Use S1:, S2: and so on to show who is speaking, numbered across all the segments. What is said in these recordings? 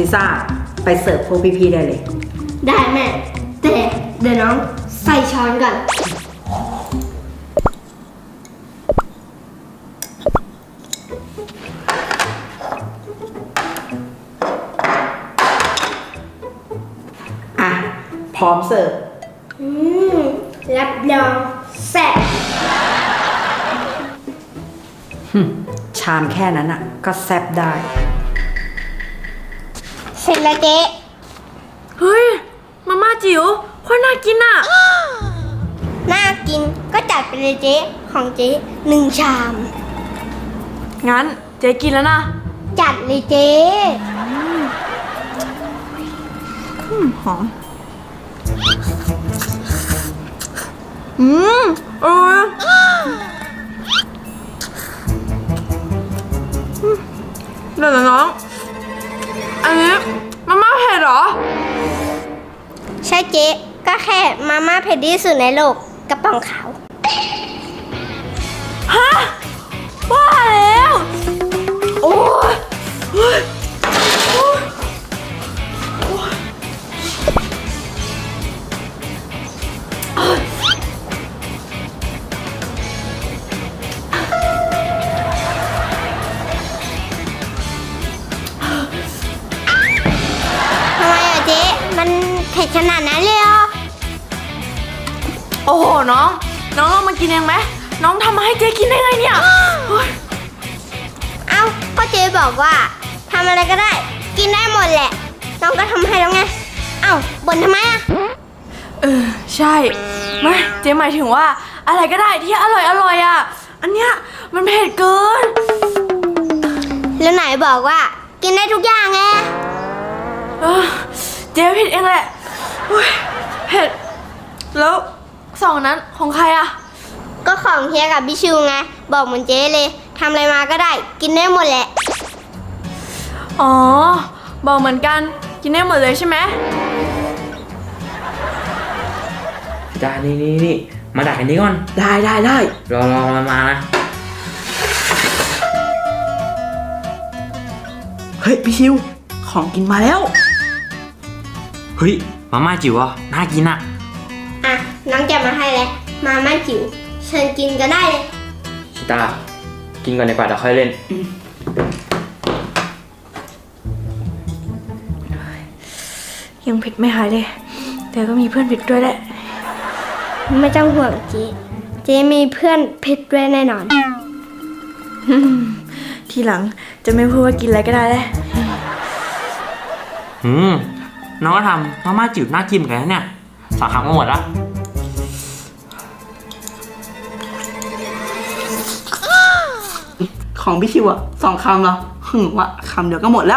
S1: ซีซ่าไปเสิร์ฟพวกพี่ๆได้เลย
S2: ได้แม่ แต่เดี๋ยวน้องใส่ช้อนก่อน
S1: อ่ะ พร้อมเสิร์ฟ
S2: รับรองแซ่บ
S1: ชามแค่นั้นอ่ะ ก็แซ่บได้
S2: เสร็จแล้วเจ๊
S3: เฮ้ย มาม่าจิ๋วโคตรน่ากินอ่ะ
S2: น่ากินก็จัดไปเลยเจ๊ของเจ๊1 ชาม
S3: งั้นเจ๊กินแล้วนะ
S2: จัดเลยเจ๊
S3: หอม อร่อยเดี๋ยวนะน้อง อันนี้มาม่าเผ็ดเหรอ
S2: ใช่เจ๊ก็แค่มาม่าเผ็ดที่สุดในโลกกระป๋องขาว
S3: ฮะว่าแล้ว โอ้ยเฮ้ยโอ้ยโอ้ยเอ้ย
S2: ทำไมอะเจ๊มันเผ็ดขนาดนั้นเลยเหรอ
S3: โอ้โหน้องลองมากินเองไหมน้องทำมาให้เจ๊กินได้ไงเนี่ยเฮ้ย
S2: เอ้าก็เจ๊บอกว่าทำอะไรก็ได้ กินได้หมดแหละ น้องก็ทำให้แล้วไง เอ้าบ่นทำไมอะ
S3: ใช่ไม่เจ๊หมายถึงว่าอะไรก็ได้ที่อร่อยอ่ะ อันเนี้ยมันเผ็ดเกิน
S2: แล้วไหนบอกว่า กินได้ทุกอย่างไง
S3: เออเจ๊ผิดเองแหละเฮ้ยเผ็ดแล้วสองนั้นของใครอ่ะ
S2: ก็ของเฮียกับพี่ชิวไง บอกเหมือนเจ๊เลยทำอะไรมาก็ได้ กินได้หมดแหละ
S3: อ๋อบอกเหมือนกันกินได้หมดเลยใช่ไหม
S4: จ้านี่มาดักอันนี้ก่อน
S1: ได้ได้ได้
S4: รอมานะ
S5: เฮ้ยพี่ชิว ของกินมาแล้ว
S4: เฮ้ยมาม่าจิ๋วอ่ะน่ากินอ่ะ
S2: อ่ะ น้องแกะมาให้แล้วมาม่าจิ๋วเชิญกินก็ได้เลย
S4: ชิตากินก่อนดีกว่าเดี๋ยวค่อยเล่น
S3: ยังเผ็ดไม่หายเลย แต่ก็มีเพื่อนเผ็ดด้วยแหละ
S2: ไม่ต้องห่วงเจ๊เจ๊มีเพื่อนเผ็ดด้วยแน่นอน
S3: ทีหลังจะไม่พูดว่ากินอะไรก็ได้แล้ว
S4: น้องก็ทำมาม่าจิ๋วน่ากินเหมือนกันนะเนี่ยสั่งคำก็หมดละ
S5: ของพี่ชิวอะ2 คำเหรอวะคำเดียวก็หมดแล้ว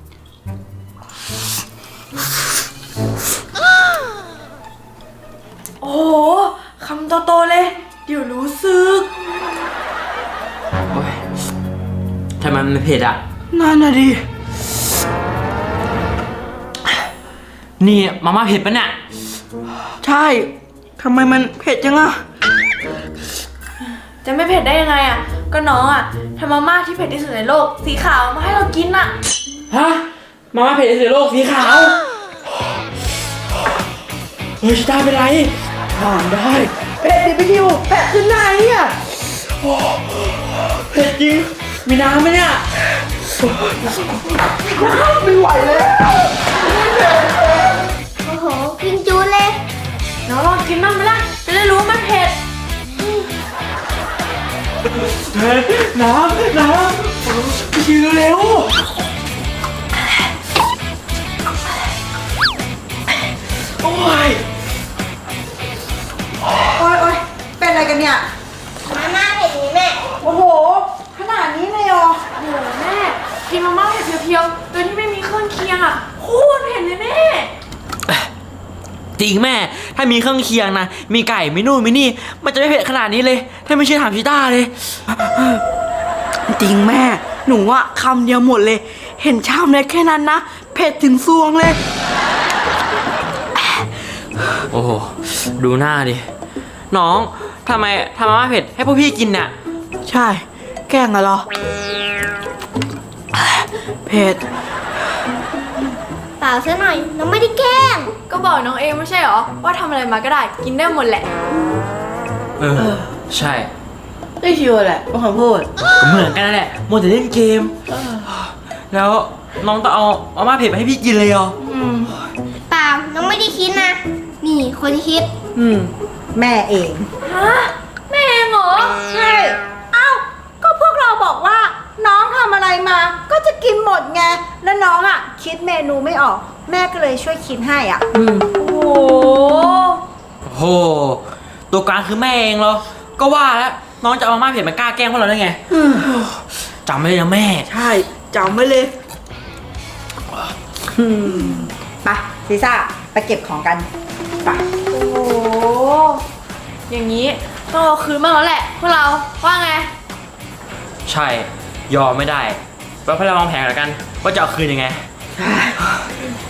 S3: โอ้โหคำโตๆเลย เดี๋ยวรู้สึก
S4: โอ้ยทำไมมันเผ็ดอ่ะ
S5: นั่นน่ะดิ
S4: นี่มาม่าเผ็ดปะเนี่ย
S5: ใช่ทำไมมันเผ็ดจังอะ
S3: จะไม่เผ็ดได้ยังไงอ่ะ ก็น้องอ่ะทำมาม่าที่เผ็ดที่สุดในโลก สีขาวมาให้เรากินอ่ะ
S4: ฮะมาม่าเผ็ดที่สุดในโลกสีขาวเฮ้ยชิตาเป็นไร
S5: ถอนได้เผ็ดดิพี่ชิวเผ็ดขึ้นไหนอะ
S4: เผ็ดจริงมีน้ำไหมเนี่ย
S5: ไม่ไหวแล้ว
S2: โอ้โห กินจูดเลย
S3: น้องลองกินบ้างไหมล่ะ จะได้รู้ว่ามันเผ็ด
S4: น้ำพี่ชิวเร็ว
S5: โอ้ย
S1: โอ๊ยเป็นอะไรกันเนี่ย
S2: มาม่าเผ็ดนี้แม่
S1: โอ้โห ขนาดนี้เลยเหรอ
S3: โอ้โหแม่กินมาม่าเผ็ดเพียวๆโดยที่ไม่มีเครื่องเคียงอ่ะโคตรเผ็ดเลยแม่
S4: จริงแม่ ถ้ามีเครื่องเคียงนะ มีไก่ มีนู่น มีนี่ มันจะไม่เผ็ดขนาดนี้เลย ถ้าไม่เชื่อถามชิต้าเลย
S5: จริงแม่ หนูอะคำเดียวหมดเลย เห็นชามเล็กแค่นั้นนะ เผ็ดถึงซวงเลย
S4: โอ้โห ดูหน้าดิ น้องทำไมทำมาม่าเผ็ดให้พวกพี่กินเนี่ย
S5: ใช่ แกล้งอะเหรอ เผ็ด
S2: เปล่าซะหน่อย น้องไม่ได้แกล้ง
S3: ก็บอกน้องเองไม่ใช่เหรอ ว่าทำอะไรมาก็ได้กินได้หมดแหละ
S4: เออ ใช่
S5: ได้ชิวแหละเป็นคำพูด
S4: ก็เหมือนกันนั่นแหละมัวแต่เล่นเกม แล้วน้องต้องเอามาม่าเผ็ดมาให้พี่กินเลยเหรอ
S2: เปล่า น้องไม่ได้คิดนะ นี่คนคิด
S1: แม่เอง
S3: ฮะ แม่เองเหรอ
S1: ใช่ เอ้า ก็พวกเราบอกว่า น้องทำอะไรมา ก็จะกินหมดไง แล้วน้องอ่ะ คิดเมนูไม่ออก แม่ก็เลยช่วยคิดให้อ่ะ
S3: โอ้โห
S4: โอ้โห ตัวกลางคือแม่เองเหรอ ก็ว่าแล้วน้องจะเอามาม่าเผ็ดมากล้าแกล้งพวกเราได้ไงจำไว้เลยนะแม่
S5: ใช่จำไว้เลย
S1: ไปซีซ่า ไปเก็บของกัน ไป
S3: โอ้โห อย่างนี้ต้องเอาคืนบ้างแล้วแหละพวกเราว่าไง
S4: ใช่ ยอมไม่ได้ไว้พวกเราวางแผนแล้วกัน ว่าจะเอาคืนยังไง